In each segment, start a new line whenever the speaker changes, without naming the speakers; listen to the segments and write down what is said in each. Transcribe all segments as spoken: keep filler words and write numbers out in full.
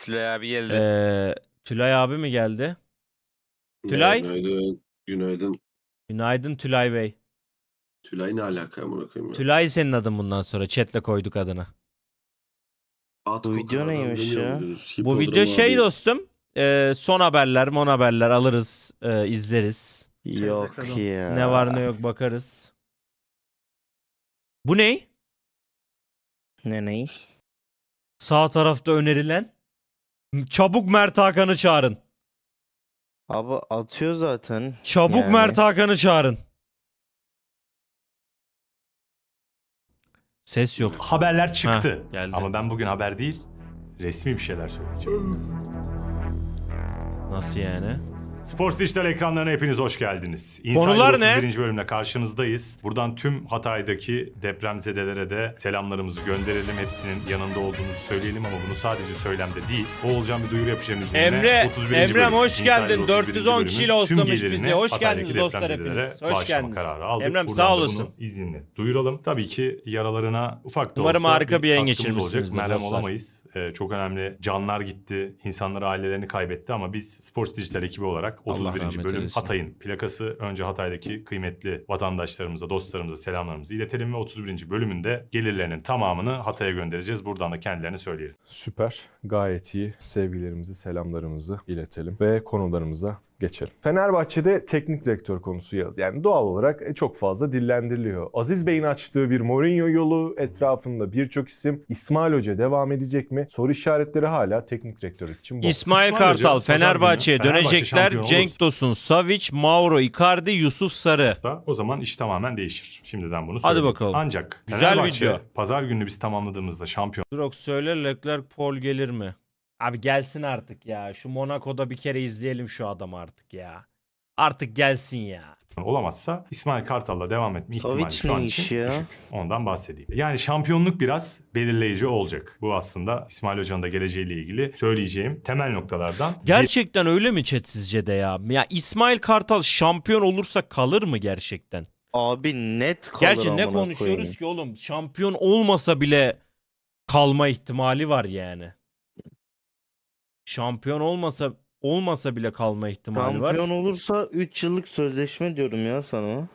Tülay abi geldi.
Ee, Tülay abi mi geldi? Tülay?
Günaydın. Günaydın.
Günaydın Tülay Bey.
Tülay ne alaka amına koyayım ya?
Tülay senin adın bundan sonra. Chat'le koyduk adını.
At
Bu video
kokan adam
neymiş
demiyor
ya?
muydunuz?
Bu
Hipodromu
video şey
abi.
dostum. e, son haberler, mon haberler alırız, e, izleriz.
Yok ya.
Ne var ne yok bakarız. Bu ne?
Ne ney?
Sağ tarafta önerilen. Çabuk Mert Hakan'ı çağırın.
Abi atıyor zaten.
Çabuk
Yani.
Mert Hakan'ı çağırın. Ses yok.
Haberler çıktı.
Heh, geldi.
Ama ben bugün haber değil, resmi bir şeyler söyleyeceğim.
Nasıl yani?
Sports Dijital ekranlarına hepiniz hoş geldiniz.
Konular
Insider
ne?
otuz birinci bölümle karşınızdayız. Buradan tüm Hatay'daki depremzedelere de selamlarımızı gönderelim. Hepsinin yanında olduğumuzu söyleyelim ama bunu sadece söylemde değil. Oğulcan bir duyuru yapacağım izninle.
Emre,
otuz birinci
Emre'm
bölüm,
hoş
Insider
geldin.
otuz
dört
birinci
yüz on
bölümün
kişiyle
tüm
hostlamış
gelirini
bizi. Hoş
Hatay'daki
geldiniz dostlar
depremzedelere
hepiniz. Hoş
bağışlama
geldiniz.
kararı aldık.
Emre'm
Buradan
sağ
da
olasın.
bunu izinle duyuralım. Tabii ki yaralarına ufak da
Umarım
olsa
harika bir yayın
katkımız olacak.
geçirmişsinizdir
Merhem
dostlar.
olamayız. Ee, çok önemli canlar gitti. İnsanlar ailelerini kaybetti ama biz Sports Dijital ekibi olarak otuz birinci
rahmet
bölüm
eylesin.
Hatay'ın plakası. Önce Hatay'daki kıymetli vatandaşlarımıza, dostlarımıza selamlarımızı iletelim ve otuz birinci bölümünde gelirlerinin tamamını Hatay'a göndereceğiz. Buradan da kendilerine söyleyelim.
Süper. Gayet iyi. Sevgilerimizi, selamlarımızı iletelim ve konularımıza geçelim. Fenerbahçe'de teknik direktör konusu yaz. Yani doğal olarak çok fazla dillendiriliyor. Aziz Bey'in açtığı bir Mourinho yolu etrafında birçok isim. İsmail Hoca devam edecek mi? Soru işaretleri hala teknik direktörlük için bu.
İsmail,
İsmail
Kartal
Hoca, pazar
Fenerbahçe'ye
günü Fenerbahçe
dönecekler.
şampiyon
Cenk
olursa-
Tosun, Savic, Mauro Icardi, Yusuf Sarı.
Da o zaman iş tamamen değişir. Şimdiden bunu
Hadi
söyleyeyim.
bakalım.
Ancak
Güzel
Fenerbahçe
video.
pazar gününü biz tamamladığımızda şampiyon
Drox söyle, Leclerc, Paul gelir mi? Abi gelsin artık ya. Şu Monaco'da bir kere izleyelim şu adamı artık ya. Artık gelsin ya.
olamazsa İsmail Kartal'la devam etme ihtimali
Savic
şu an
ne
için
iş ya?
düşük. Ondan bahsedeyim. Yani şampiyonluk biraz belirleyici olacak. Bu aslında İsmail Hoca'nın da geleceğiyle ilgili söyleyeceğim temel noktalardan.
Gerçekten öyle mi chat sizce de ya? Ya İsmail Kartal şampiyon olursa kalır mı gerçekten?
Abi net kalır
Gerçi ne
amına
konuşuyoruz
koyayım.
ki oğlum? Şampiyon olmasa bile kalma ihtimali var yani. Şampiyon olmasa olmasa bile kalma ihtimali var.
Şampiyon olursa üç yıllık sözleşme diyorum ya sana.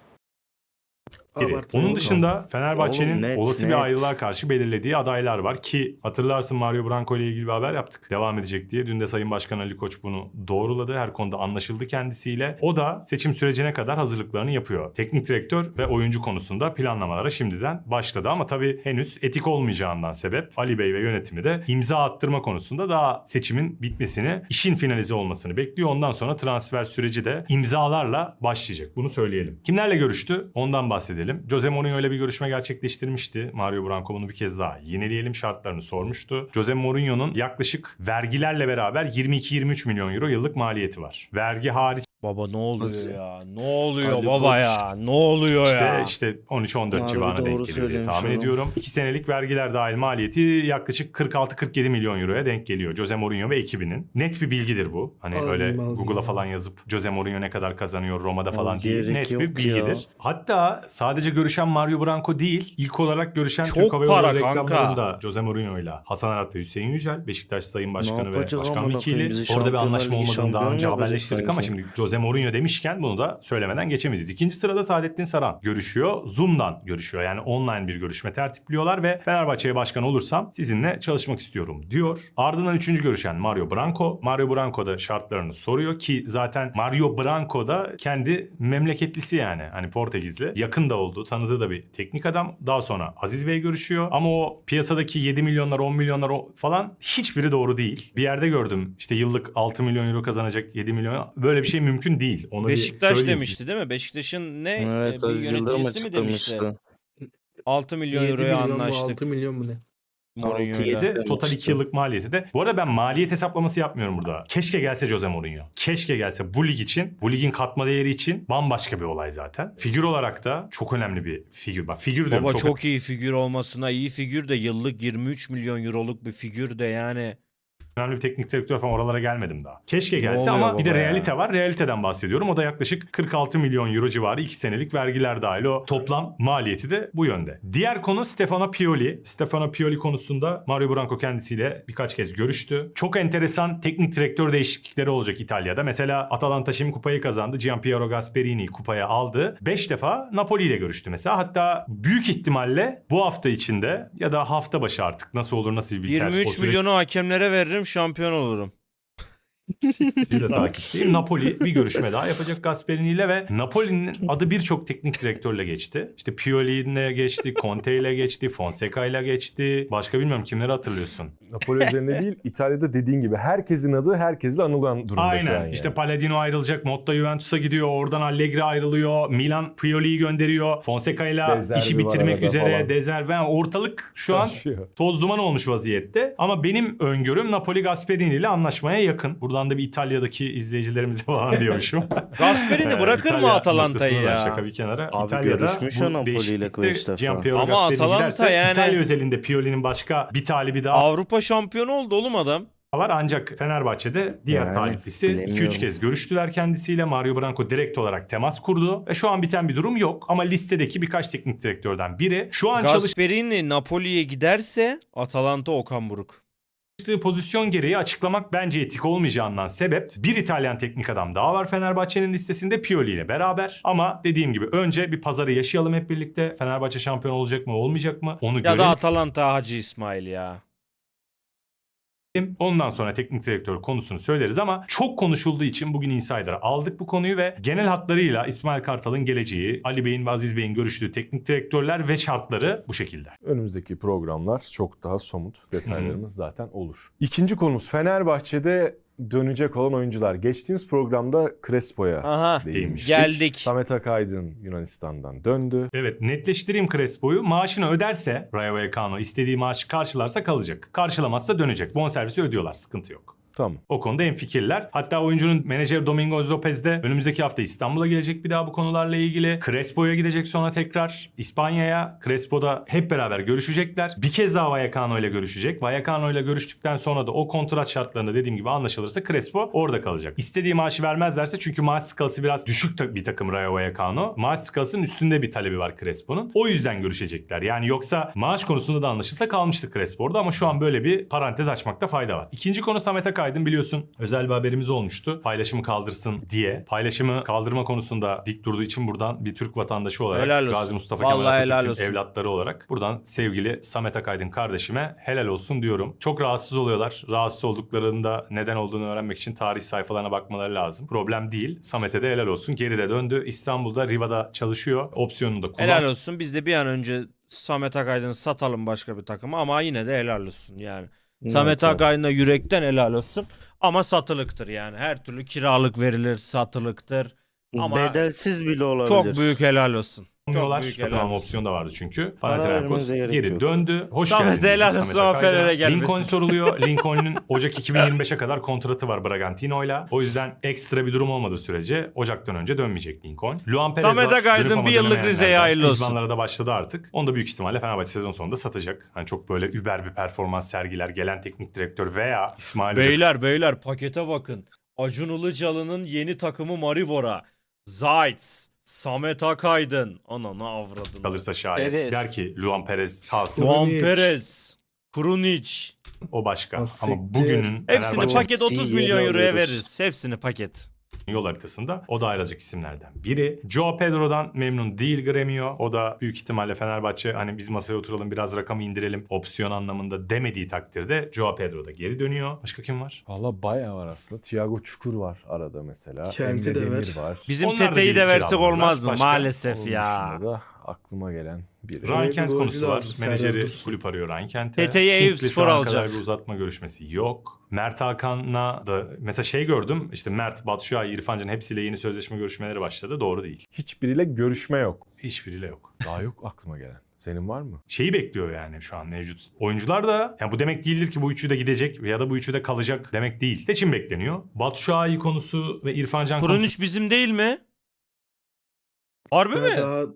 biri.
Abartma
Onun
oğlum.
dışında
Oğlum
Fenerbahçe'nin
net,
olası
net.
bir ayrılığa karşı belirlediği adaylar var ki hatırlarsın Mario Branco ile ilgili bir haber yaptık. Devam edecek diye. Dün de Sayın Başkan Ali Koç bunu doğruladı. Her konuda anlaşıldı kendisiyle. O da seçim sürecine kadar hazırlıklarını yapıyor. Teknik direktör ve oyuncu konusunda planlamalara şimdiden başladı ama tabii henüz etik olmayacağından sebep Ali Bey ve yönetimi de imza attırma konusunda daha seçimin bitmesini, işin finalize olmasını bekliyor. Ondan sonra transfer süreci de imzalarla başlayacak. Bunu söyleyelim. Kimlerle görüştü? Ondan bahsedelim. Jose Mourinho ile bir görüşme gerçekleştirmişti. Mario Branco bunu bir kez daha yineleyelim şartlarını sormuştu. Jose Mourinho'nun yaklaşık vergilerle beraber yirmi iki yirmi üç milyon euro yıllık maliyeti var. Vergi hariç
Baba ne oluyor
Nasıl?
ya? Ne oluyor
Ali
baba
Koç.
ya? Ne oluyor
işte
ya?
işte on üç on dört
Harbi
civarına
doğru
denk geliyor diye
söylemiş
tahmin
adam.
ediyorum. iki senelik vergiler dahil maliyeti yaklaşık kırk altı kırk yedi milyon euroya denk geliyor. Jose Mourinho ve ekibinin. Net bir bilgidir bu. Hani
Alayım,
öyle
alayım.
Google'a falan yazıp Jose Mourinho ne kadar kazanıyor Roma'da falan
Abi
değil.
gerek
Net
yok
bir bilgidir.
ya.
Hatta sadece görüşen Mario Branco değil, ilk olarak görüşen
Çok
Türk Hava
para
Yolları
kanka.
reklamlarında Jose Mourinho ile Hasan Arat ve Hüseyin Yücel, Beşiktaş Sayın Başkanı ve
yapacak
Başkan
amına koyayım,
Vekili.
bizi
Orada bir
Şampiyonlar
anlaşma
Ligi
olmadığını daha
şampiyonu
önce
yapacak
haberleştirdik ama
sanki.
şimdi Jose Mourinho demişken bunu da söylemeden geçemeyiz. İkinci sırada Saadettin Saran görüşüyor. Zoom'dan görüşüyor. Yani online bir görüşme tertipliyorlar ve Fenerbahçe'ye başkan olursam sizinle çalışmak istiyorum diyor. Ardından üçüncü görüşen Mario Branco. Mario Branco da şartlarını soruyor ki zaten Mario Branco da kendi memleketlisi yani. Hani Portekizli. Yakın da oldu. Tanıdığı da bir teknik adam. Daha sonra Aziz Bey görüşüyor. Ama o piyasadaki yedi milyonlar on milyonlar o falan hiçbiri doğru değil. Bir yerde gördüm işte yıllık altı milyon euro kazanacak yedi milyon. Böyle bir şey mümkün değil. Onu bir
Beşiktaş
söyleyeyim
demişti değil mi? Beşiktaş'ın ne?
Evet
e, bir
Aziz Yıldırım
yöneticisi mi demişti?
açıklamıştı.
altı milyon
yedi
euroya
milyon mu
anlaştık.
altı milyon mu ne?
Mourinho'yla.
altı
size. Total iki yıllık maliyeti de. Bu arada ben maliyet hesaplaması yapmıyorum burada. Keşke gelse Jose Mourinho. Keşke gelse bu lig için, bu ligin katma değeri için bambaşka bir olay zaten. Figür olarak da çok önemli bir figür. Bak figür diyorum
Baba
çok,
çok, iyi figür olmasına iyi figür de yıllık yirmi üç milyon euroluk bir figür de yani
önemli bir teknik direktör falan, oralara gelmedim daha. Keşke gelse
oluyor
ama bir de
baba ya?
realite var. Realiteden bahsediyorum. O da yaklaşık kırk altı milyon euro civarı iki senelik vergiler dahil. O toplam maliyeti de bu yönde. Diğer konu Stefano Pioli. Stefano Pioli konusunda Mario Branco kendisiyle birkaç kez görüştü. Çok enteresan teknik direktör değişiklikleri olacak İtalya'da. Mesela Atalanta şimdi kupayı kazandı. Gianpiero Gasperini kupaya aldı. beş defa Napoli ile görüştü mesela. Hatta büyük ihtimalle bu hafta içinde ya da hafta başı artık nasıl olur nasıl biter.
yirmi üç
o süreç
milyonu hakemlere veririm, şampiyon olurum.
Bir de takipteyim. Napoli bir görüşme daha yapacak Gasperini ile ve Napoli'nin adı birçok teknik direktörle geçti. İşte Pioli ile geçti, Conte ile geçti, Fonseca ile geçti. Başka bilmiyorum kimleri hatırlıyorsun.
Napoli üzerinde değil, İtalya'da dediğin gibi herkesin adı herkesle anılan durumda şu an
Aynen.
yani.
İşte Palladino ayrılacak, Motta Juventus'a gidiyor, oradan Allegri ayrılıyor, Milan Pioli'yi gönderiyor, Fonseca ile
Dezerbi
işi
var
bitirmek
arada
üzere,
falan.
Dezerbi. Yani ortalık şu an
Taşıyor.
toz duman olmuş vaziyette. Ama benim öngörüm Napoli Gasperini ile anlaşmaya yakın. Buradan da bir İtalya'daki izleyicilerimize falan diyormuşum.
Gasperini
Ee,
bırakır mı
İtalya
Atalanta'yı
noktasını da
ya?
Şaka bir kenara.
Abi
İtalya'da
görüşmüş o
bu
Napoli ile
değişiklikte
beş defa.
Gianpiero
Ama
Gasperini
Atalanta
giderse
yani-
İtalya özelinde Pioli'nin başka bir talibi daha
Avrupa şampiyonu oldu oğlum adam.
var. Ancak Fenerbahçe'de diğer
Yani,
taliplisi iki üç
bilemiyorum.
kez görüştüler kendisiyle. Mario Branco direkt olarak temas kurdu. Ve şu an biten bir durum yok. Ama listedeki birkaç teknik direktörden biri. Şu an çalıştığı
Gasperini Napoli'ye giderse Atalanta Okan Buruk.
pozisyon gereği açıklamak bence etik olmayacağından sebep bir İtalyan teknik adam daha var Fenerbahçe'nin listesinde Pioli ile beraber. Ama dediğim gibi önce bir pazarı yaşayalım hep birlikte. Fenerbahçe şampiyon olacak mı olmayacak mı onu
Ya
görelim.
da Atalanta Hacı İsmail ya.
Ondan sonra teknik direktör konusunu söyleriz ama çok konuşulduğu için bugün Insider'a aldık bu konuyu ve genel hatlarıyla İsmail Kartal'ın geleceği, Ali Bey'in ve Aziz Bey'in görüştüğü teknik direktörler ve şartları bu şekilde.
Önümüzdeki programlar çok daha somut detaylarımız zaten olur. İkinci konumuz Fenerbahçe'de dönecek olan oyuncular. Geçtiğimiz programda Crespo'ya
Aha.
değinmiştik.
Geldik.
Samet Akaydın Yunanistan'dan döndü.
Evet, netleştireyim Crespo'yu. Maaşını öderse Rayo Vallecano istediği maaşı karşılarsa kalacak. Karşılamazsa dönecek. Bonservisi ödüyorlar, sıkıntı yok.
Tamam.
O konuda hemfikirler. Hatta oyuncunun menajeri Domingos Lopez de önümüzdeki hafta İstanbul'a gelecek bir daha bu konularla ilgili. Crespo'ya gidecek sonra tekrar İspanya'ya. Crespo'da hep beraber görüşecekler. Bir kez daha Vallecano ile görüşecek. Vallecano ile görüştükten sonra da o kontrat şartlarında dediğim gibi anlaşılırsa Crespo orada kalacak. İstediği maaşı vermezlerse çünkü maaş skalası biraz düşük ta- bir takım Rayo Vallecano. Maaş skalasının üstünde bir talebi var Crespo'nun. O yüzden görüşecekler. Yani yoksa maaş konusunda da anlaşılsa kalmıştı Crespo orada ama şu an böyle bir parantez açmakta fayda var. İkinci konu Samet Akaydın. Biliyorsun özel bir haberimiz olmuştu. Paylaşımı kaldırsın diye. Paylaşımı kaldırma konusunda dik durduğu için buradan bir Türk vatandaşı olarak
Helal olsun.
Gazi Mustafa
Vallahi
Kemal
helal
Atatürk'ün
olsun.
evlatları olarak buradan sevgili Samet Akaydın kardeşime helal olsun diyorum. Çok rahatsız oluyorlar. Rahatsız olduklarında neden olduğunu öğrenmek için tarih sayfalarına bakmaları lazım. Problem değil. Samet'e de helal olsun. Geride döndü. İstanbul'da Riva'da çalışıyor. Opsiyonunu da kullan.
Helal olsun. Biz de bir an önce Samet Akaydın'ı satalım başka bir takıma ama yine de helal olsun yani. Samet
Evet,
Akaydın'a yürekten helal olsun. Ama satılıktır yani. Her türlü kiralık verilir, satılıktır. Ama
bedelsiz bile olabilir.
çok büyük helal olsun.
Yapmıyorlar.
büyük
Satın
helal
alma
olsun.
opsiyonu da vardı çünkü.
Para
Panathinaikos
vermenize gerek
geri
yok.
döndü. Hoş
Samet
geldin.
helal
Samet
olsun, ama
Akaydın'a.
Fener'e gelmesin.
Lincoln soruluyor. Lincoln'un Ocak iki bin yirmi beşe kadar kontratı var Bragantino'yla. O yüzden ekstra bir durum olmadığı sürece Ocak'tan önce dönmeyecek Lincoln. Luan Perez
Samet
var.
Akaydın
Dönüp ama
bir yıllık
dönemeyenlerden.
Rize'ye hayırlı olsun.
İdmanlara da başladı artık. Onu da büyük ihtimalle Fenerbahçe sezon sonunda satacak. Hani çok böyle über bir performans sergiler gelen teknik direktör veya İsmail Hoca
Beyler beyler pakete bakın. Acun Ilıcalı'nın yeni takımı Maribora. Zayt, Samet Akaydın. Ananı avradını.
kalırsa şayet.
Perez.
Der ki Luan Perez kalsın.
Juan
Krunic.
Perez, Krunic.
O başka.
Ha,
Ama
siktir.
bugünün
Hepsini
Fenerbahçe
paket otuz
iyi
milyon euroya
alıyoruz.
veririz. Hepsini paket.
yol haritasında o da ayrılacak isimlerden biri. Joao Pedro'dan memnun değil Gremio. O da büyük ihtimalle Fenerbahçe hani biz masaya oturalım biraz rakamı indirelim opsiyon anlamında demediği takdirde Joao Pedro da geri dönüyor. Başka kim var?
Valla bayağı var aslında. Thiago Çukur var arada mesela.
Kenti
Emre
de
Demir
var.
var.
Bizim
Onlar da
Tete'yi de
gelip
versek
kiraladılar.
olmaz mı?
Başka?
Maalesef
Onun
ya.
dışında da aklıma gelen biri.
Ryan
Oraya
Kent
bir
konusu
golcü
var.
lazım, Serdar
Menajeri
Dursun.
kulüp arıyor Ryan Kent'e.
Tete'yi Eyüp
King'le şu
Spor
ana
alacak.
kadar bir uzatma görüşmesi yok. Mert Hakan'la da mesela şey gördüm. İşte Mert, Batshuayi, İrfan Can hepsiyle yeni sözleşme görüşmeleri başladı. Doğru değil.
Hiçbiriyle görüşme yok.
Hiçbiriyle yok.
Daha yok aklıma gelen. Senin var mı?
Şeyi bekliyor yani şu an mevcut. Oyuncular da yani bu demek değildir ki bu üçü de gidecek ya da bu üçü de kalacak demek değil. Seçim bekleniyor. Batshuayi konusu ve İrfan Can konusu
Krunic bizim değil mi? Harbi mi?
Daha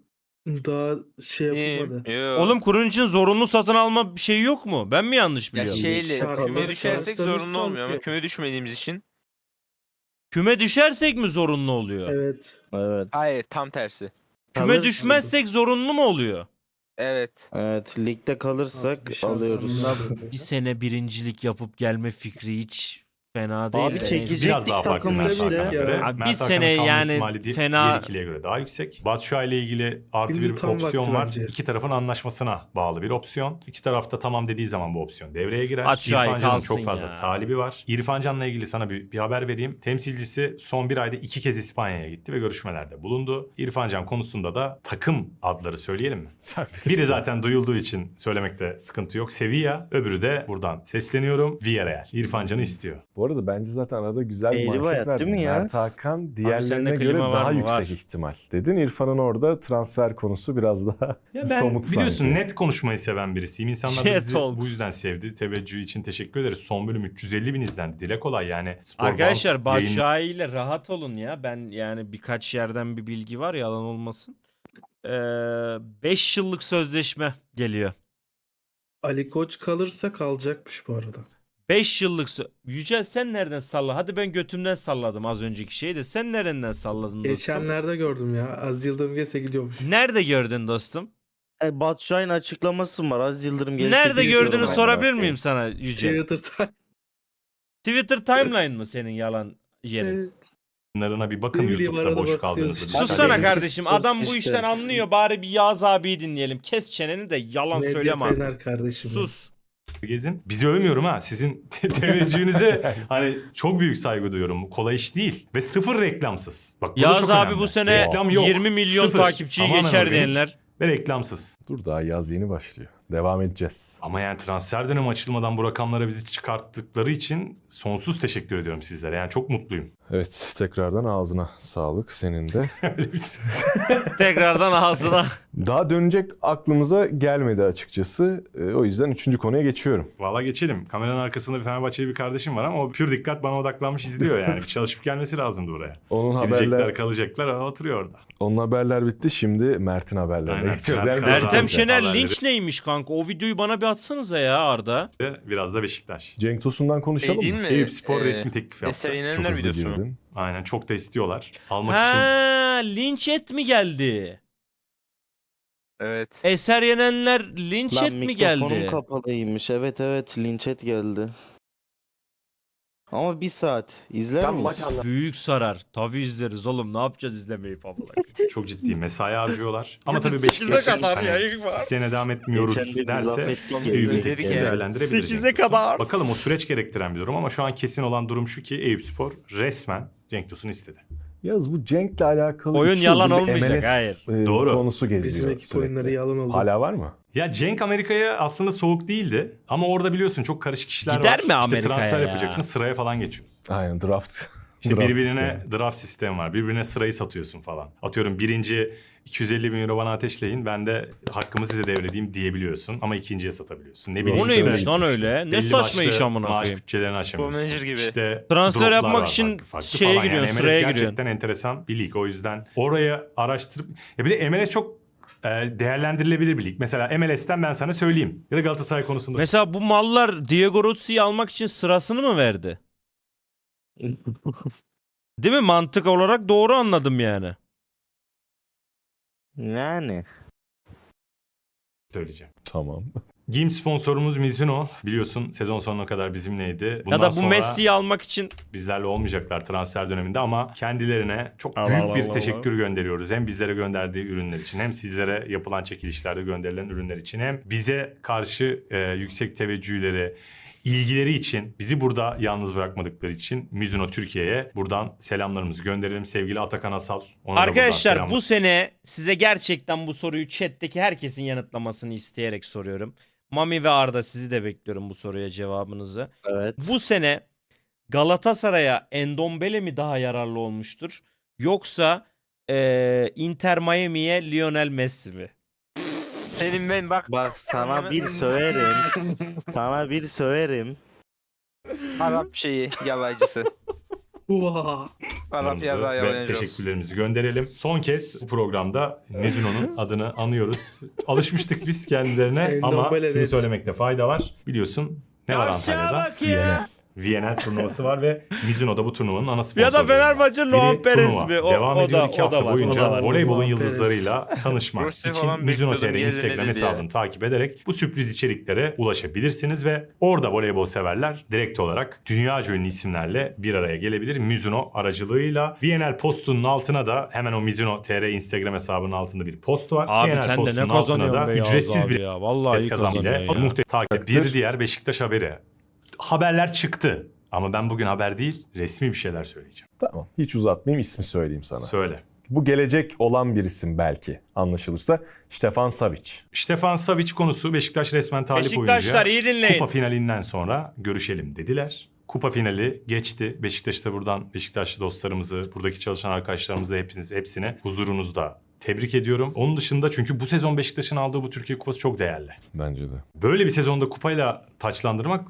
Daha şey yapılmadı.
Yo.
Oğlum kurun için zorunlu satın alma bir şey yok mu? Ben mi yanlış
ya
biliyorum?
şeyle
Şarkı
küme
var,
düşersek
şarkıları
zorunlu olmuyor ama
sağlıyor.
küme düşmediğimiz için.
Küme düşersek mi zorunlu oluyor?
Evet.
Evet.
Hayır, tam tersi.
Küme
Kalırsın.
düşmezsek zorunlu mu oluyor?
Evet.
Evet, ligde kalırsak
Nasıl bir şans
alıyoruz.
anlamadım.
Bir sene birincilik yapıp gelme fikri hiç fena değil.
Abi
de neyse.
çekecek-
Biraz daha farklı
takım
Mert
işte.
Hakan'a göre.
Ya.
Abi bir
Mert Hakan'ın
sene
kalma
yani
ihtimali di-
fena-
diğer ikiliye göre daha yüksek. Batshuayi ile ilgili artı
Şimdi
bir
tam
opsiyon
vakti
var.
bence.
İki tarafın anlaşmasına bağlı bir opsiyon. İki tarafta tamam dediği zaman bu opsiyon devreye girer.
Batshuayi
İrfan Can'ın
kalsın
çok fazla
ya.
talibi var. İrfan Can'la ilgili sana bir, bir haber vereyim. Temsilcisi son bir ayda iki kez İspanya'ya gitti ve görüşmelerde bulundu. İrfan Can konusunda da takım adları söyleyelim mi?
Sen
Biri
bilirsin.
zaten duyulduğu için söylemekte sıkıntı yok. Sevilla, öbürü de buradan sesleniyorum. Villarreal. İrfan Can'ı istiyor.
Bu arada bence zaten arada güzel bir
Eğri
manşet
bayat
verdin.
değil mi ya?
Mert Hakan
sende
diğerlerine göre
klima var
daha
mı?
yüksek
Var.
ihtimal. Dedin İrfan'ın orada transfer konusu biraz daha
Ya ben
somut
biliyorsun
sanki.
net konuşmayı seven birisiyim. İnsanlar da
Jet
bizi
olmuş.
bu yüzden sevdi. Teveccühü için teşekkür ederiz. Son bölüm üç yüz elli bin izlendi. Dile kolay yani. Spor
Arkadaşlar
Bounce yayın-
Batshuayi ile rahat olun ya. Ben yani birkaç yerden bir bilgi var, yalan olmasın. beş yıllık sözleşme geliyor.
Ali Koç kalırsa kalacakmış bu arada.
beş yıllık sö- Yücel sen nereden salladın? Hadi ben götümden salladım az önceki şeyi de sen nereden salladın dostum?
Geçenlerde gördüm ya. Az Yıldırım gelse gidiyormuş.
Nerede gördün dostum?
E, Batshuayi'nin açıklaması var. Az Yıldırım gelirse
Nerede
gidiyorum
gördüğünü
ben.
sorabilir miyim sana Yücel?
Twitter'da.
Twitter timeline mı senin yalan yerin?
Evet.
yayınlarına bir bakın
Ne bileyim,
YouTube'da
arada
boş
bakıyoruz.
kaldığınızda.
Sus
dikkat
Sussana
edin.
benimki
kardeşim.
spor
Adam bu
işte.
işten anlıyor. Bari bir Yağız abiyi dinleyelim. Kes çeneni de yalan
Medya
söyleme artık.
Fener kardeşim.
Sus.
Gezin. Bizi övmüyorum ha. Sizin te- teveccühünüze hani çok büyük saygı duyuyorum. Kolay iş değil. Ve sıfır reklamsız. Bak bu da
Yağız
çok
abi
önemli.
bu sene
Reklam yok.
yirmi milyon
Sıfır.
takipçiyi
Tamamen
geçer
organik
diyenler.
Ve reklamsız.
Dur daha yaz yeni başlıyor. Devam edeceğiz.
Ama yani transfer dönemi açılmadan bu rakamlara bizi çıkarttıkları için sonsuz teşekkür ediyorum sizlere. Yani çok mutluyum.
Evet tekrardan ağzına sağlık senin de.
Öyle bir-
Tekrardan ağzına.
Daha dönecek aklımıza gelmedi açıkçası. E, o yüzden üçüncü konuya geçiyorum.
Valla geçelim. Kameranın arkasında bir Fenerbahçeli bir kardeşim var ama o pür dikkat bana odaklanmış izliyor yani. Bir çalışıp gelmesi lazımdı buraya.
Onun
Gidecekler,
haberler,
kalacaklar ama oturuyor orada.
onun haberler bitti. Şimdi Mert'in haberlerine
Aynen,
geçiyoruz.
Mert
Yani
Kazan.
Ertem
Beşiktaş'a.
Şener
haberleri.
linç neymiş kanka? O videoyu bana bir atsanıza ya Arda.
Ve biraz da Beşiktaş.
Cenk Tosun'dan konuşalım
Şey
mı?
değil mi?
Eyüp Spor
Ee,
resmi teklif yaptı.
Eser
Çok
Yenenler
hızlı
videosu mu?
girdin.
Aynen çok da istiyorlar. Almak için
Ha, linç et mi geldi?
Evet.
Eser Yenenler linç
Lan
et mi
mikrofonum
geldi?
kapalıymış. Evet evet linçet geldi. Ama bir saat. İzler miyiz?
Büyük sarar. Tabii izleriz oğlum. Ne yapacağız izlemeyip abla?
çok ciddi mesai harcıyorlar. Ama tabii
sekize
Beşiktaş'ın
kadar
hani
yayın var.
bir sene devam etmiyoruz
Geçen de biz laf
derse
ettik ya.
Eyüp'ün
Dedik
teklifini
yani.
değerlendirebilir.
sekize
Cenk Tosun.
kadar.
Bakalım o süreç gerektiren bir durum ama şu an kesin olan durum şu ki Eyüp Spor resmen Cenk Tosun'u istedi.
Yaz bu Cenk'le alakalı
Oyun
iki
yalan
yıldır bir
olmayacak,
M L S,
hayır.
e,
Doğru.
konusu geziyor.
Bizim ekip
sürekli.
oyunları yalan oldu.
Hala var mı?
Ya Cenk Amerika'ya aslında soğuk değildi ama orada biliyorsun çok karışık işler
Gider
var.
mi
İşte
Amerika'ya
transfer
ya?
yapacaksın sıraya falan geçiyorsun.
Aynen draft.
İşte
draft
birbirine
sistemi.
draft sistemi var. Birbirine sırayı satıyorsun falan. Atıyorum birinci iki yüz elli bin euro bana ateşleyin. Ben de hakkımı size devredeyim diyebiliyorsun. Ama ikinciye satabiliyorsun. Ne bileyim.
O
işte
neymiş lan öyle? Ne
belli
saçma iş
başlı
amına
maaş
koyayım.
bütçelerini aşamıyorsun.
Manager gibi.
İşte
Transfer
droplar
yapmak
var
için
farklı farklı
şeye
falan.
giriyorsun,
Yani M L S
sıraya
gerçekten enteresan bir lig. O yüzden oraya araştırıp... Ya bir de M L S çok e, değerlendirilebilir bir lig. Mesela M L S'ten ben sana söyleyeyim. Ya da Galatasaray konusunda.
Mesela bu mallar Diego Rossi'yi almak için sırasını mı verdi? Değil mi? Mantık olarak doğru anladım yani.
Yani.
söyleyeceğim.
Tamam.
Giyim sponsorumuz Mizuno. Biliyorsun sezon sonuna kadar bizimleydi. Bundan
ya da bu
sonra
Messi'yi almak için
bizlerle olmayacaklar transfer döneminde ama kendilerine çok
Allah
büyük
Allah
bir
Allah
teşekkür gönderiyoruz. Hem bizlere gönderdiği ürünler için hem sizlere yapılan çekilişlerde gönderilen ürünler için hem bize karşı e, yüksek teveccühleri, ilgileri için, bizi burada yalnız bırakmadıkları için Mizuno Türkiye'ye buradan selamlarımızı gönderelim. Sevgili Atakan Asal. Ona da buradan
arkadaşlar
selamlar.
bu sene size gerçekten bu soruyu chat'teki herkesin yanıtlamasını isteyerek soruyorum. Mami ve Arda sizi de bekliyorum bu soruya cevabınızı.
Evet.
Bu sene Galatasaray'a Endombele mi daha yararlı olmuştur? Yoksa eee, Inter Miami'ye Lionel Messi mi?
Senin ben bak.
Bak sana bir söverim. Sana bir söverim.
Arap şeyi yalayıcısı.
Vaa.
Arap yarrağı
ve
yalayacağız.
teşekkürlerimizi gönderelim. Son kez bu programda Mizuno'nun adını anıyoruz. Alışmıştık biz kendilerine ama
Normal,
şunu
evet.
söylemekte fayda var. Biliyorsun ne var
Aşağı
Antalya'da?
bak ya.
V N L turnuvası var ve Mizuno da bu turnuvanın ana sponsoru.
Ya da Fenerbahçe Luan Perez
turnuva.
mi? O,
Devam
o
ediyor
da,
iki
o
hafta
da var,
boyunca
o da var.
voleybolun
Luan
yıldızlarıyla tanışmak
Rusya
için
falan
Mizuno T R
bekliyordum,
Instagram
gelmedi
hesabını
diye.
takip ederek bu sürpriz içeriklere ulaşabilirsiniz ve orada voleybol severler direkt olarak dünyaca ünlü isimlerle bir araya gelebilir. Mizuno aracılığıyla V N L postunun altına da hemen o Mizuno T R Instagram hesabının altında bir post var.
Abi
V N L
sen de
postunun
ne
altına
kazanıyorsun
da
be Yağız
ücretsiz
abi
bir
ya. Vallahi iyi
bilet kazan
kazanıyor
bile
ya.
muhtemelen takip. Bir diğer Beşiktaş haberi. Haberler çıktı. Ama ben bugün haber değil, resmi bir şeyler söyleyeceğim.
Tamam. Hiç uzatmayayım, ismi söyleyeyim sana.
Söyle.
Bu gelecek olan bir isim belki anlaşılırsa. Stefan Savic.
Stefan Savic konusu Beşiktaş resmen talip
Beşiktaşlar
oyuncuya.
iyi dinleyin.
Kupa finalinden sonra görüşelim dediler. Kupa finali geçti. Beşiktaş'ta buradan Beşiktaşlı dostlarımızı, buradaki çalışan arkadaşlarımızı hepiniz hepsine huzurunuzda tebrik ediyorum. Onun dışında çünkü bu sezon Beşiktaş'ın aldığı bu Türkiye Kupası çok değerli.
Bence de.
Böyle bir sezonda kupayla taçlandırmak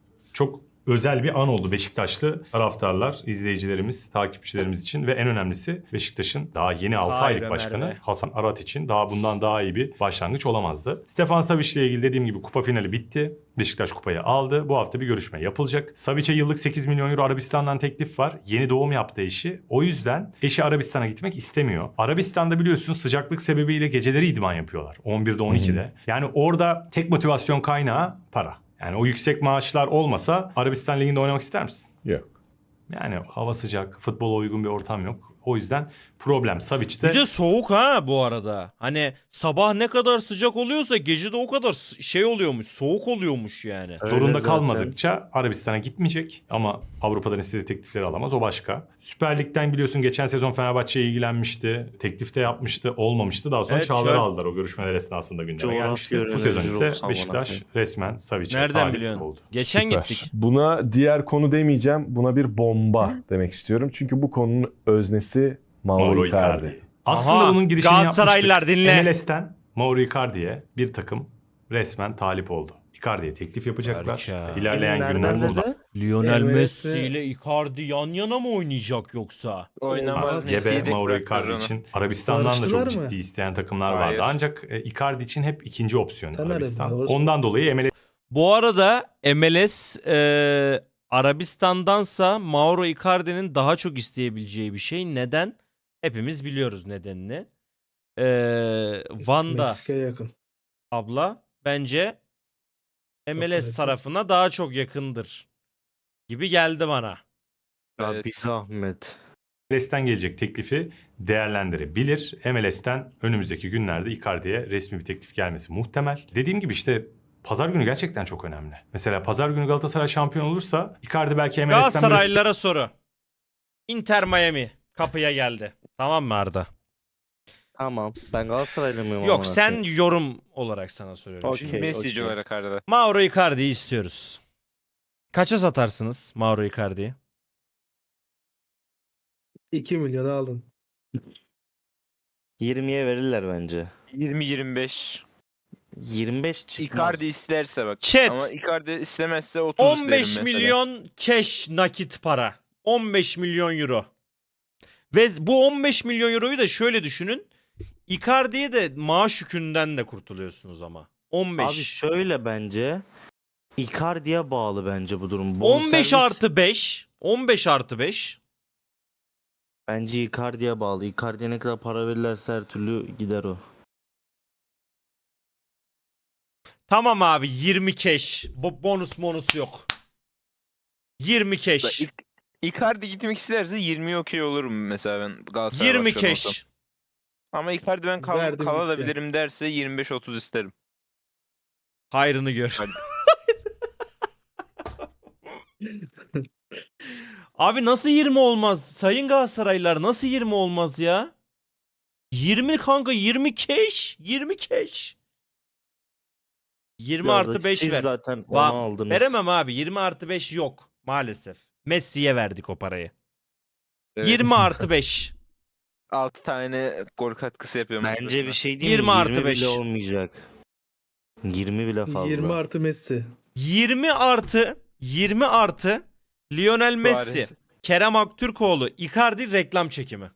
çok özel bir an oldu Beşiktaşlı taraftarlar, izleyicilerimiz, takipçilerimiz için ve en önemlisi Beşiktaş'ın daha yeni altı
Hayır
aylık
Ömer
başkanı
Bey.
Hasan Arat için daha bundan daha iyi bir başlangıç olamazdı. Stefan Savic ile ilgili dediğim gibi kupa finali bitti. Beşiktaş kupayı aldı. Bu hafta bir görüşme yapılacak. Savic'e yıllık sekiz milyon euro Arabistan'dan teklif var. Yeni doğum yaptı eşi. O yüzden eşi Arabistan'a gitmek istemiyor. Arabistan'da biliyorsun sıcaklık sebebiyle geceleri idman yapıyorlar. on birde on ikide. Yani orada tek motivasyon kaynağı para. Yani o yüksek maaşlar olmasa Arabistan Ligi'nde oynamak ister misin?
Yok.
Yani hava sıcak, futbola uygun bir ortam yok. O yüzden problem Savic'te.
Bir de soğuk ha bu arada. Hani sabah ne kadar sıcak oluyorsa gece de o kadar s- şey oluyormuş. Soğuk oluyormuş yani.
Öyle
Zorunda
zaten.
kalmadıkça Arabistan'a gitmeyecek ama Avrupa'dan istediği teklifleri alamaz, o başka. Süper Lig'den biliyorsun geçen sezon Fenerbahçe'ye ilgilenmişti. Teklif de yapmıştı, olmamıştı. Daha sonra
Evet,
Çağlar'ı
şöyle-
aldılar o görüşmeler esnasında gündeme
Coğrafya
gelmişti. Bu
öğrenci
sezon ise
olsa
Beşiktaş
amına
resmen Savic'e
Nereden
talip
biliyorsun?
oldu.
Geçen
Süper.
gittik.
Buna diğer konu demeyeceğim. Buna bir bomba demek istiyorum. Çünkü bu konunun öznesi Mauro,
Mauro
Icardi.
Icardi. Aslında
Aha,
bunun girişini
Galatasaraylılar
yapmıştık.
dinle.
M L S'ten Mauro Icardi'ye bir takım resmen talip oldu. Icardi'ye teklif yapacaklar.
Harika.
İlerleyen
Nereden
günler
dedi?
burada.
Lionel
Evet,
Messi
ve-
ile Icardi yan yana mı oynayacak yoksa?
Oynamaz.
Gebe,
Messi'yi de
Mauro
bıraktılar
Icardi
onu.
için Arabistan'dan da çok
Barıştılar mı?
ciddi isteyen takımlar
Hayır.
vardı. Ancak e, Icardi için hep ikinci opsiyon
Tabii,
Arabistan.
doğru.
Ondan dolayı M L
Bu arada M L S e, Arabistan'dansa Mauro Icardi'nin daha çok isteyebileceği bir şey. Neden? Hepimiz biliyoruz nedenini. E, Van'da
Meksika'ya yakın.
abla bence M L S
evet.
tarafına daha çok yakındır gibi geldi bana.
Ya
Evet.
bir zahmet.
M L S'ten gelecek teklifi değerlendirebilir. M L S'ten önümüzdeki günlerde Icardi'ye resmi bir teklif gelmesi muhtemel. Dediğim gibi işte pazar günü gerçekten çok önemli. Mesela pazar günü Galatasaray şampiyon olursa Icardi belki M L S'ten böyle
Galatasaraylılara soru. Inter Miami kapıya geldi. Tamam mı Arda?
Tamam. Ben Galatasaraylı mıyım?
Yok
amına
sen
koyayım?
yorum olarak sana soruyorum.
Okey.
şimdi.
Messi'ci
okey.
olarak arada.
Mauro Icardi'yi istiyoruz. Kaça satarsınız Mauro Icardi'yi?
iki milyonu aldın.
yirmiye verirler bence.
yirmi yirmi beş.
yirmi beş çıkmaz.
Icardi isterse bak.
Chat.
Ama Icardi istemezse otuz
on
isterim
beş
mesela.
milyon cash nakit para. on beş milyon euro. Ve bu on beş milyon euroyu da şöyle düşünün. Icardi'ye de maaş yükünden de kurtuluyorsunuz ama. on beş.
Abi şöyle bence. Icardi'ye bağlı bence bu durum.
on beş
Bonservis
artı beş. on beş artı beş.
Bence Icardi'ye bağlı. Icardi'ye ne kadar para verirlerse her türlü gider o.
Tamam abi yirmi cash. Bo- bonus bonus yok. yirmi
Bak,
cash.
Ik- Icardi gitmek isterse yirmi okey olurum mesela ben Galatasaray
yirmi
başkanı olsam.
cash.
Ama Icardi ben kal
Verdim
kalabilirim derse yirmi beş otuz isterim.
Hayrını gör.
Hadi.
Abi nasıl yirmi olmaz? Sayın Galatasaraylılar nasıl yirmi olmaz ya? yirmi kanka yirmi cash. yirmi cash. yirmi
Biraz da
artı beş
siz
ver.
zaten onu
Va-
aldınız.
Veremem abi. yirmi artı beş yok. Maalesef. Messi'ye verdik o parayı.
Evet.
yirmi artı beş.
altı tane gol katkısı yapıyorum.
Bence bir şey değil mi?
yirmi artı
yirmi
beş.
bile olmayacak. yirmi bile fazla.
yirmi artı Messi.
yirmi artı yirmi artı Lionel Messi.
Suarez.
Kerem Aktürkoğlu Icardi reklam çekimi.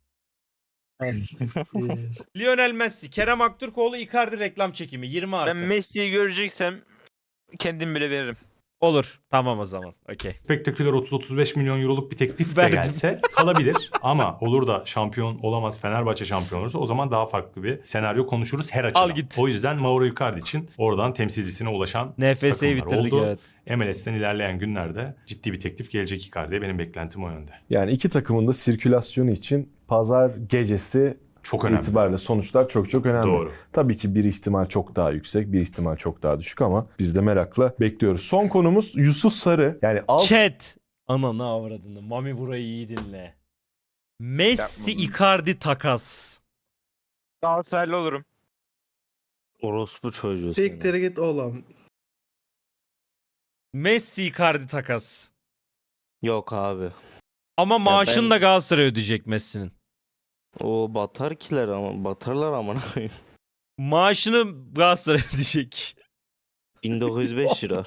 Lionel Messi, Kerem Aktürkoğlu Icardi reklam çekimi yirmi artı.
Ben Messi'yi göreceksem kendim bile veririm.
Olur. Tamam o zaman. Okey.
spektaküler otuz otuz beş milyon euroluk bir teklif de
Verdim.
gelse kalabilir. Ama olur da şampiyon olamaz, Fenerbahçe şampiyon olursa o zaman daha farklı bir senaryo konuşuruz her açıdan.
Al git.
O yüzden Mauro Icardi için oradan temsilcisine ulaşan
N F S'yi
takımlar
bitirdik
oldu.
evet.
M L S'ten ilerleyen günlerde ciddi bir teklif gelecek Icardi'ye. Benim beklentim o yönde.
Yani iki takımın da sirkülasyonu için pazar gecesi
Çok önemli.
itibariyle sonuçlar çok çok önemli.
Doğru.
Tabii ki bir ihtimal çok daha yüksek, bir ihtimal çok daha düşük ama biz de merakla bekliyoruz. Son konumuz Yusuf Sarı. Yani alt
Chat. Ananı avradını. Mami burayı iyi dinle. Messi
Yapma.
Icardi takas.
Galatasaraylı olurum.
Orospu çocuğu seni.
Siktir git oğlum.
Messi Icardi takas.
Yok abi.
Ama maaşını
ben-
da Galatasaray ödeyecek Messi'nin.
O batar kiler ama batarlar amına koyayım.
Maaşını Galatasaray ödeyecek.
bin dokuz yüz beş lira.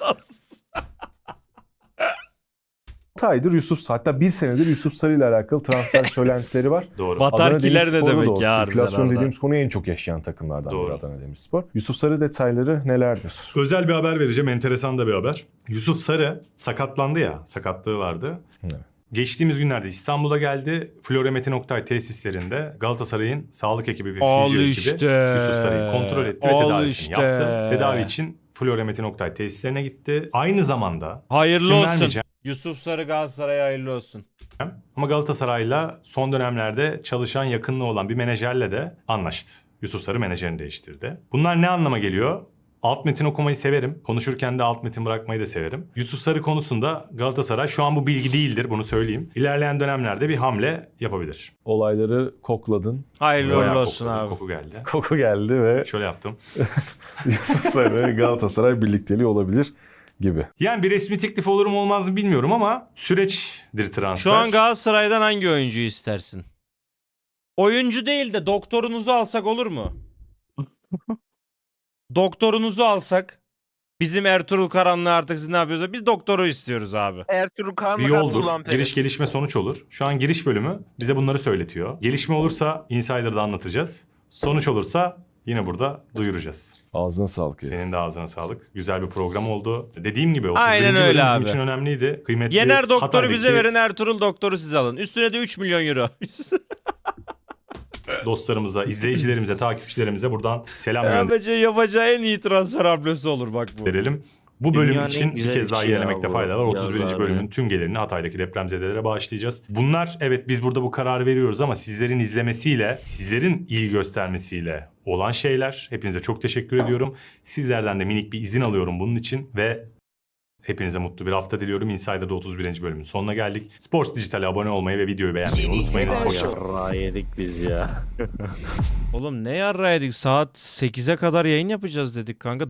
aydır Yusuf hatta bir senedir Yusuf Sarı ile alakalı transfer söylentileri var.
Doğru.
Bat-
Adana
Batarkiler ne
Demirspor'da da
demek
o
ya harbiden
sirkülasyon
Arda?
dediğimiz konuyu en çok yaşayan takımlardan
Doğru.
biri Adana Demirspor. Yusuf Sarı detayları nelerdir?
Özel bir haber vereceğim. Enteresan da bir haber. Yusuf Sarı sakatlandı ya. Sakatlığı vardı.
Evet.
Geçtiğimiz günlerde İstanbul'a geldi. Florya Metin Oktay tesislerinde Galatasaray'ın sağlık ekibi ve
Al
fizyo
işte.
ekibi Yusuf Sarı'yı kontrol etti ve
Al
tedavisini
işte.
yaptı. Tedavi için Florya Metin Oktay tesislerine gitti. Aynı zamanda
Hayırlı
İsim
olsun.
vermeyeceğim.
Yusuf Sarı Galatasaray'a hayırlı olsun.
ama Galatasaray'la son dönemlerde çalışan yakınlığı olan bir menajerle de anlaştı. Yusuf Sarı menajerini değiştirdi. Bunlar ne anlama geliyor? Alt metin okumayı severim. Konuşurken de alt metin bırakmayı da severim. Yusuf Sarı konusunda Galatasaray şu an bu bilgi değildir, bunu söyleyeyim. İlerleyen dönemlerde bir hamle yapabilir.
Olayları kokladın.
Hayırlı
Bayağı
uğurlu olsun
kokladı,
abi.
koku geldi.
Koku geldi ve
Şöyle yaptım.
Yusuf Sarı Galatasaray birlikteliği olabilir gibi.
Yani bir resmi teklif olur mu olmaz mı bilmiyorum ama süreçtir transfer.
Şu an Galatasaray'dan hangi oyuncuyu istersin? Oyuncu değil de doktorunuzu alsak olur mu? Doktorunuzu alsak. Bizim Ertuğrul Karan'la artık siz ne yapıyorsa biz doktoru istiyoruz abi.
Ertuğrul
bir
Kağan'la
yoldur.
katılan Perez.
Giriş gelişme sonuç olur. Şu an giriş bölümü bize bunları söyletiyor. Gelişme olursa Insider'da anlatacağız. Sonuç olursa yine burada duyuracağız.
Ağzına sağlık.
Senin
Enes.
de ağzına sağlık. Güzel bir program oldu. Dediğim gibi
Aynen
otuz birinci
öyle
bölüm bizim
abi.
için önemliydi. Kıymetli
Yener doktoru
Hatay'daki
bize verin, Ertuğrul doktoru siz alın. Üstüne de üç milyon euro.
dostlarımıza, izleyicilerimize, takipçilerimize buradan selam
yapacağı, yapacağı en iyi transfer hamlesi olur bak bu.
gönderelim. Bu bölüm
Dünyanın en
için bir
güzel
kez daha
işi ya
ilerlemekte
bu.
fayda var. otuz birinci
Yazlar
bölümün
ya.
tüm gelirini Hatay'daki depremzedelere bağışlayacağız. Bunlar evet biz burada bu kararı veriyoruz ama sizlerin izlemesiyle, sizlerin ilgi göstermesiyle olan şeyler. Hepinize çok teşekkür ediyorum. Sizlerden de minik bir izin alıyorum bunun için ve hepinize mutlu bir hafta diliyorum. Insider'da otuz birinci bölümün sonuna geldik. Sports Dijital'e abone olmayı ve videoyu beğenmeyi unutmayınız.
Ay,
Hoşçakalın.
yarrağı yedik biz ya.
Oğlum ne yarraydık, saat sekize kadar yayın yapacağız dedik kanka.